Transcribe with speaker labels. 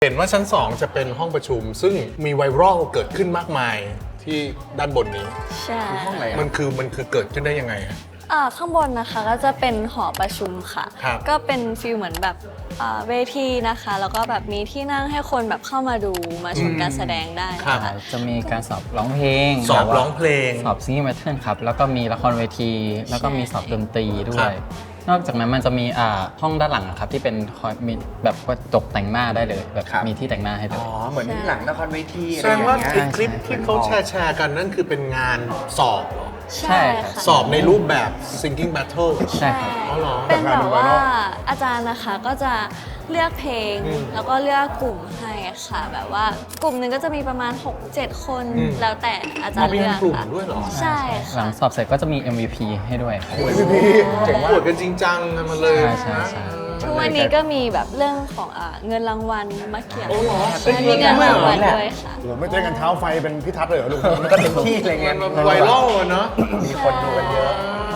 Speaker 1: เห็นว่าชั้น 2 จะเป็นห้องประชุม ซึ่งมีไวรัลเกิดขึ้นมากมายที่ด้านบนนี้
Speaker 2: ใช่
Speaker 3: ห้องไหน
Speaker 1: มันคือเกิดขึ้นได้ยังไงฮะ
Speaker 2: ข้างบนนะคะก็จะเป็นหอประชุมค่ะ
Speaker 1: ครับ
Speaker 2: ก็เป็นฟีลเหมือนแบบเวทีนะคะ แล้วก็แบบมีที่นั่งให้คนแบบเข้ามาดูมาชมการแสดงได้
Speaker 1: ครับ
Speaker 2: ค่ะ
Speaker 3: จะมีการสอบร้องเพลง
Speaker 1: สอบร้องเพลง
Speaker 3: สอบซิงเกิลแมทเทิลครับ แล้วก็มีละครเวที แล้วก็มีสอบดนตรีด้
Speaker 1: ครั
Speaker 3: วย
Speaker 1: บ
Speaker 3: นอกจากนั้นมันจะมีห้องด้านหลังอะครับที่เป็นคอยมีแบบว่าตกแต่งหน้าได้เลยแบบ
Speaker 4: ครับ
Speaker 3: มีที่แต่งหน้าให้เล
Speaker 4: อ๋
Speaker 3: ย
Speaker 4: อ เหมือนหลังละครเวที
Speaker 1: แส
Speaker 4: อะไร
Speaker 1: ด
Speaker 4: อง ย่าง
Speaker 1: ว่า
Speaker 4: เงี้ย
Speaker 1: ไอ้คลิปที่เขาแชร์กันนั่นคือเป็นงานสอบเหรอ
Speaker 3: ใช่ครับ
Speaker 2: ค่ะ
Speaker 1: สอบในรูปแบบ singing battle
Speaker 3: ใช่ครับ
Speaker 1: อ๋อเหรอ
Speaker 2: เป็นแบบว่าอาจารย์นะคะก็จะเลือกเพลง
Speaker 1: อืม
Speaker 2: แล้วก็เลือกกลุ่มให้ค่ะ แบบว่ากลุ่มหนึ่งก็จะมีประมาณ 6-7 คน
Speaker 1: อืม
Speaker 2: แล้วแต่อาจารย์
Speaker 1: มี
Speaker 2: เลือก
Speaker 1: กลุ่ม
Speaker 2: ค่ะ
Speaker 1: ด้วยเหรอ
Speaker 2: ใช่
Speaker 3: หลั
Speaker 2: ค่ะ
Speaker 3: งสอบเสร็จก็จะมี MVP ให้ด้วยครับ
Speaker 1: พี่เจ๋งปวดกันจริงจังกันมาเลย
Speaker 3: ใช่ใช่
Speaker 2: ทุกวันนี้ก็มีแบบเรื่องของเงินรางวัลมาเกี่ยว
Speaker 1: โอ้เหรอ
Speaker 2: ใช่มีเงินรางวัลด้วยค่ะ
Speaker 5: หรือไม่เต้นกันเท้าไฟเป็นพิทัศน์เลยเหรอลูก
Speaker 4: มันก็เต็มที่เลยไง
Speaker 1: มันไวรัลอะเนาะ
Speaker 4: มีคนดูกันเยอะ
Speaker 1: อ่